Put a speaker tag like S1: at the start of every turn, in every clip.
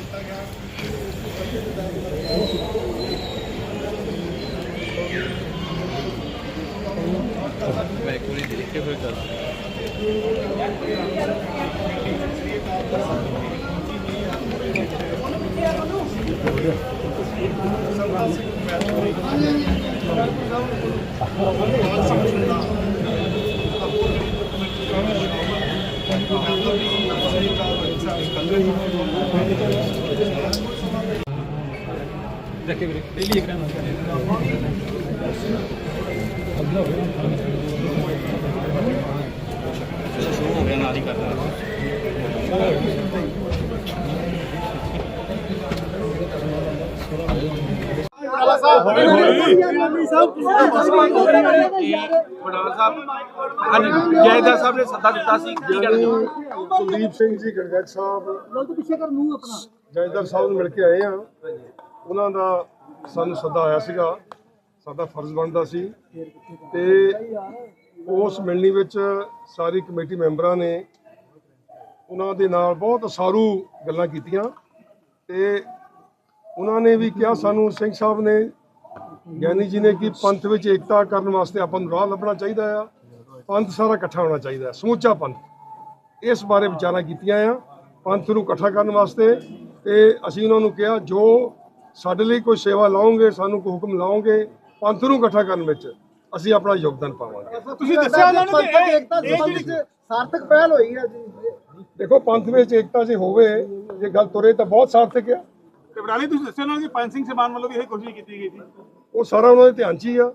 S1: मैं एक बार देख के फिर कर शुरू हो गया नारी कर रहा
S2: ਜੈਦਾ ਸਾਹਿਬ ਨੇ ਸੱਦਾ ਦਿੱਤਾ ਸੀ
S3: ਕੁਲਦੀਪ ਸਿੰਘ ਜੀ ਗੜਗੜ ਸਾਹਿਬ ਜੈਦਰ ਸਾਹਿਬ ਨੂੰ ਮਿਲ ਕੇ ਆਏ ਆ। ਉਹਨਾਂ ਦਾ ਸਾਨੂੰ ਸੱਦਾ ਆਇਆ ਸੀਗਾ, ਸਾਡਾ ਫਰਜ਼ ਬਣਦਾ ਸੀ ਤੇ ਉਸ ਮਿਲਣੀ ਵਿੱਚ ਸਾਰੀ ਕਮੇਟੀ ਮੈਂਬਰਾਂ ਨੇ ਉਹਨਾਂ ਦੇ ਨਾਲ ਬਹੁਤ ਸਾਰੂ ਗੱਲਾਂ ਕੀਤੀਆਂ ਤੇ ਉਹਨਾਂ ਨੇ ਵੀ ਕਿਹਾ ਸਾਨੂੰ ਸਿੰਘ ਸਾਹਿਬ ਨੇ ਗਿਆਨੀ ਜੀ ਨੇ ਕਿ ਪੰਥ ਵਿੱਚ ਏਕਤਾ ਕਰਨ ਵਾਸਤੇ ਆਪਾਂ ਨੂੰ ਰਾਹ ਲੱਭਣਾ ਚਾਹੀਦਾ ਆ, ਪੰਥ ਸਾਰਾ ਇਕੱਠਾ ਹੋਣਾ ਚਾਹੀਦਾ, ਸਮੁੱਚਾ ਪੰਥ। ਇਸ ਬਾਰੇ ਵਿਚਾਰਾਂ ਕੀਤੀਆਂ ਆ ਪੰਥ ਨੂੰ ਇਕੱਠਾ ਕਰਨ ਵਾਸਤੇ ਤੇ ਅਸੀਂ ਉਹਨਾਂ ਨੂੰ ਕਿਹਾ ਜੋ ਸਾਡੇ ਲਈ ਕੋਈ ਸੇਵਾ ਲਾਓਗੇ, ਸਾਨੂੰ ਕੋਈ ਹੁਕਮ ਲਾਓਗੇ ਪੰਥ ਨੂੰ ਇਕੱਠਾ ਕਰਨ ਵਿੱਚ ਅਸੀਂ ਆਪਣਾ ਯੋਗਦਾਨ ਪਾਵਾਂਗੇ।
S2: ਤੁਸੀਂ ਦੱਸਿਆ ਉਹਨਾਂ ਨੂੰ ਕਿ ਏਕਤਾ ਸੰਬੰਧ
S3: ਸਾਰਥਕ ਪਹਿਲ ਹੋਈ ਹੈ ਜੀ। ਦੇਖੋ ਪੰਥ ਵਿੱਚ ਏਕਤਾ ਜੇ ਹੋਵੇ, ਜੇ ਗੱਲ ਤੁਰੇ ਤਾਂ ਬਹੁਤ ਸਾਰਥਕ ਆ।
S2: ਤੇ ਬਰਾਲੀ ਤੁਸੀਂ ਦੱਸਿਆ ਉਹਨਾਂ ਨੂੰ ਕਿ ਪੰਜ ਸਿੰਘ ਸਮਾਨ ਵੱਲੋਂ ਵੀ ਇਹ ਕੋਸ਼ਿਸ਼ ਕੀਤੀ ਗਈ ਸੀ,
S3: ਉਹ ਸਾਰਾ ਉਹਨਾਂ ਦੇ ਧਿਆਨ 'ਚ ਹੀ ਆ।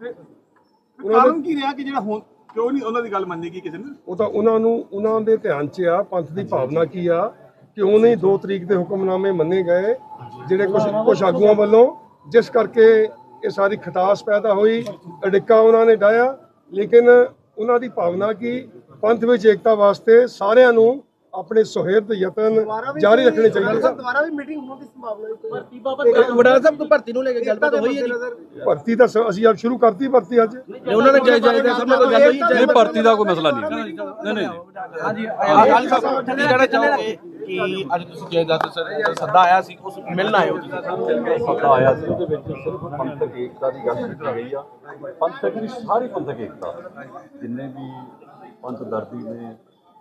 S2: ਕਾਰਨ ਕੀ ਰਿਹਾ ਕਿ ਜਿਹੜਾ ਹੁਣ ਕਿਉਂ ਨਹੀਂ ਉਹਨਾਂ ਦੀ ਗੱਲ ਮੰਨੀ ਗਈ ਕਿਸੇ ਨੇ?
S3: ਉਹ ਤਾਂ ਉਹਨਾਂ ਦੇ ਧਿਆਨ 'ਚ ਆ, ਪੰਥ ਦੀ ਭਾਵਨਾ ਕੀ ਆ, ਕਿਉਂ ਨਹੀਂ 2 ਤਰੀਕ ਦੇ ਹੁਕਮਨਾਮੇ ਮੰਨੇ ਗਏ ਜਿਹੜੇ ਕੁਝ ਆਗੂਆਂ ਵੱਲੋਂ, ਜਿਸ ਕਰਕੇ ਇਹ ਸਾਰੀ ਖਟਾਸ ਪੈਦਾ ਹੋਈ, ਅੜਿੱਕਾ ਉਹਨਾਂ ਨੇ ਡਾਇਆ। ਲੇਕਿਨ ਉਹਨਾਂ ਦੀ ਭਾਵਨਾ ਕੀ ਪੰਥ ਵਿੱਚ ਏਕਤਾ ਵਾਸਤੇ ਸਾਰਿਆਂ ਨੂੰ ਆਪਣੇ ਸੁਹਿਰਦ ਯਤਨ ਜਾਰੀ ਰੱਖਣੇ ਚਾਹੀਦੇ।
S4: ਦੁਬਾਰਾ ਵੀ ਮੀਟਿੰਗ ਹੋਣ ਦੀ ਸੰਭਾਵਨਾ ਹੈ। ਵਡਾਲਾ ਸਾਹਿਬ ਤੋਂ ਭਰਤੀ ਨੂੰ ਲੈ ਕੇ ਗੱਲਬਾਤ ਹੋਈ ਹੈ ਜੀ?
S3: ਭਰਤੀ ਤਾਂ ਅਸੀਂ ਆਪ ਸ਼ੁਰੂ ਕਰਤੀ ਭਰਤੀ ਅੱਜ।
S4: ਉਹਨਾਂ ਨੇ ਜਾਇਜ਼ ਸਭ ਨਾਲ ਗੱਲ ਹੋਈ?
S1: ਨਹੀਂ, ਭਰਤੀ ਦਾ ਕੋਈ ਮਸਲਾ ਨਹੀਂ। ਨਹੀਂ ਹਾਂਜੀ
S2: ਅਕਾਲੀ ਸਾਹਿਬ ਕੀ ਕਹਿਣਾ ਚਾਹੋਗੇ ਕਿ ਅੱਜ ਤੁਸੀਂ ਜੈਦਾਦ ਸੱਦਾ ਆਇਆ ਸੀ, ਉਸ ਮਿਲਣ ਆਏ ਹੋ ਤੁਸੀਂ?
S5: ਸੱਦਾ ਆਇਆ ਸੀ, ਉਹਦੇ ਵਿੱਚ ਸਿਰਫ ਪੰਥਕ ਏਕਤਾ ਦੀ ਗੱਲ ਕੀਤੀ ਗਈ ਆ। ਪੰਥਕ ਦੀ ਸਾਰੀ ਪੰਥਕ ਏਕਤਾ, ਜਿੰਨੇ ਵੀ ਪੰਥ ਦਰਦੀ ਨੇ,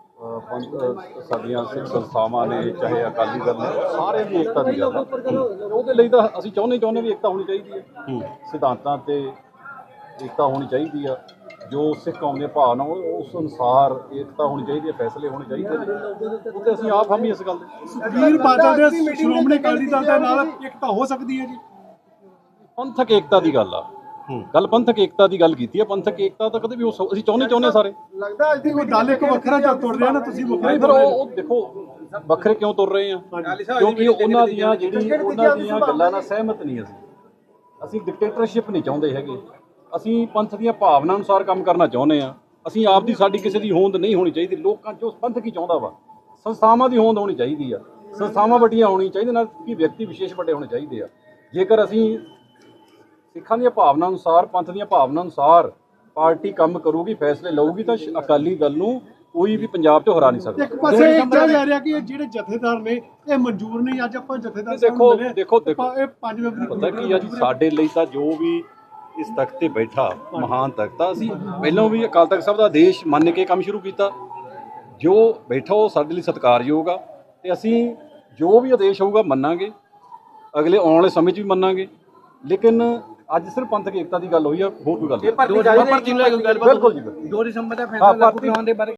S5: ਪੰਥ ਸਾਡੀਆਂ ਸਿੱਖ ਸੰਸਥਾਵਾਂ ਨੇ, ਚਾਹੇ ਅਕਾਲੀ ਦਲ ਨੇ, ਸਾਰੇ ਦੀ ਏਕਤਾ ਦੀ ਗੱਲ ਆ। ਉਹਦੇ ਲਈ ਤਾਂ ਅਸੀਂ ਚਾਹੁੰਦੇ ਵੀ ਏਕਤਾ ਹੋਣੀ ਚਾਹੀਦੀ ਹੈ, ਸਿਧਾਂਤਾਂ ਤੇ ਏਕਤਾ ਹੋਣੀ ਚਾਹੀਦੀ ਆ। ਜੋ ਸਿੱਖ ਕੌਮ ਦੇ ਭਾਵਨਾ ਉਸ ਅਨੁਸਾਰ ਏਕਤਾ ਹੋਣੀ ਚਾਹੀਦੀ ਹੈ, ਫੈਸਲੇ ਹੋਣੇ ਚਾਹੀਦੇ ਨੇ। ਉਹ ਤੇ ਅਸੀਂ ਆਪ ਹਮੀ ਇਸ ਗੱਲ ਦੇ।
S2: ਸੁਖਬੀਰ ਬਾਦਲ ਦੇ ਸ਼੍ਰੋਮਣੀ ਅਕਾਲੀ ਦਲ ਦੇ ਨਾਲ ਏਕਤਾ ਹੋ ਸਕਦੀ ਹੈ ਜੀ?
S5: ਪੰਥਕ ਏਕਤਾ ਦੀ ਗੱਲ ਆ, ਗੱਲ ਪੰਥਕ ਏਕਤਾ ਦੀ ਗੱਲ ਕੀਤੀ ਹੈ। ਪੰਥਕ ਏਕਤਾ ਤਾਂ ਕਦੇ ਵੀ ਅਸੀਂ ਚਾਹੁੰਦੇ ਸਾਰੇ।
S2: ਲੱਗਦਾ ਅੱਜ ਦੀ ਕੋਈ ਦਲ ਇੱਕ ਵੱਖਰਾ ਜਾਂ ਤੁਰ ਰਿਹਾ ਨਾ, ਤੁਸੀਂ
S5: ਨਹੀਂ ਫਿਰ ਉਹ ਦੇਖੋ ਵੱਖਰੇ ਕਿਉਂ ਤੁਰ ਰਹੇ ਆ, ਕਿਉਂਕਿ ਉਹਨਾਂ ਦੀਆਂ ਗੱਲਾਂ ਨਾਲ ਸਹਿਮਤ ਨਹੀਂ ਅਸੀਂ ਡਿਕਟੇਟਰਸ਼ਿਪ ਨਹੀਂ ਚਾਹੁੰਦੇ ਹੈਗੇ। ਅਸੀਂ ਪੰਥ ਦੀਆਂ ਭਾਵਨਾ ਅਨੁਸਾਰ ਕੰਮ ਕਰਨਾ ਚਾਹੁੰਦੇ ਆ। ਅਸੀਂ ਆਪ ਦੀ ਸਾਡੀ ਕਿਸੇ ਦੀ ਹੋਂਦ ਨਹੀਂ ਹੋਣੀ ਚਾਹੀਦੀ। ਲੋਕਾਂ ਜੋ ਪੰਥ ਕੀ ਚਾਹੁੰਦਾ ਵਾ, ਸੰਸਥਾਵਾਂ ਦੀ ਹੋਂਦ ਹੋਣੀ ਚਾਹੀਦੀ ਆ। ਸੰਸਥਾਵਾਂ ਵੱਡੀਆਂ ਹੋਣੀਆਂ ਚਾਹੀਦੀਆਂ, ਨਾਲ ਕਿ ਵਿਅਕਤੀ ਵਿਸ਼ੇਸ਼ ਵੱਡੇ ਹੋਣੇ ਚਾਹੀਦੇ ਆ। ਜੇਕਰ ਅਸੀਂ ਸਿੱਖਾਂ ਦੀਆਂ ਭਾਵਨਾ ਅਨੁਸਾਰ, ਪੰਥ ਦੀਆਂ ਭਾਵਨਾ ਅਨੁਸਾਰ ਪਾਰਟੀ ਕੰਮ ਕਰੂਗੀ, ਫੈਸਲੇ ਲਊਗੀ, ਤਾਂ ਅਕਾਲੀ ਦਲ ਨੂੰ ਕੋਈ ਵੀ ਪੰਜਾਬ 'ਚੋਂ ਹਰਾ ਨਹੀਂ ਸਕਦਾ।
S2: ਇੱਕ ਪਾਸੇ ਇਹ ਕਿਹਾ ਜਾ ਰਿਹਾ ਕਿ ਜਿਹੜੇ ਜਥੇਦਾਰ ਨੇ ਇਹ ਮਨਜ਼ੂਰ ਨਹੀਂ। ਅੱਜ ਆਪਾਂ ਜਥੇਦਾਰ
S5: ਦੇਖੋ
S2: ਇਹ 5 ਮੈਂਬਰੀ
S5: ਪਤਾ ਕੀ ਆ ਜੀ, ਸਾਡੇ ਲਈ ਤਾਂ ਜੋ ਵੀ ਇਸ ਤਖਤ ਤੇ ਬੈਠਾ ਮਹਾਨ ਤਖਤ ਆ, ਅਸੀਂ ਪਹਿਲਾਂ ਵੀ ਅਕਾਲ ਤਖਤ ਸਾਹਿਬ ਦਾ ਆਦੇਸ਼ ਮੰਨ ਕੇ ਕੰਮ ਸ਼ੁਰੂ ਕੀਤਾ। ਜੋ ਬੈਠਾ ਉਹ ਸਾਡੇ ਲਈ ਸਤਿਕਾਰਯੋਗ ਆ ਤੇ ਅਸੀਂ ਜੋ ਵੀ ਆਦੇਸ਼ ਹੋਊਗਾ ਮੰਨਾਂਗੇ, ਅਗਲੇ ਆਉਣ ਵਾਲੇ ਸਮੇਂ 'ਚ ਵੀ ਮੰਨਾਂਗੇ। ਲੇਕਿਨ ਅੱਜ ਸਿਰਫ ਪੰਥਕ ਏਕਤਾ ਦੀ ਗੱਲ ਹੋਈ ਆ, ਹੋਰ ਕੋਈ ਗੱਲ ਨਹੀਂ।
S4: ਭਰਤੀ ਨੂੰ ਲੈ ਕੇ ਗੱਲਬਾਤ?
S5: ਬਿਲਕੁਲ ਜੀ,
S4: 2 ਦਸੰਬਰ ਦਾ ਫੈਸਲਾ ਲਾਗੂ ਹੋਣ ਦੇ ਬਾਰੇ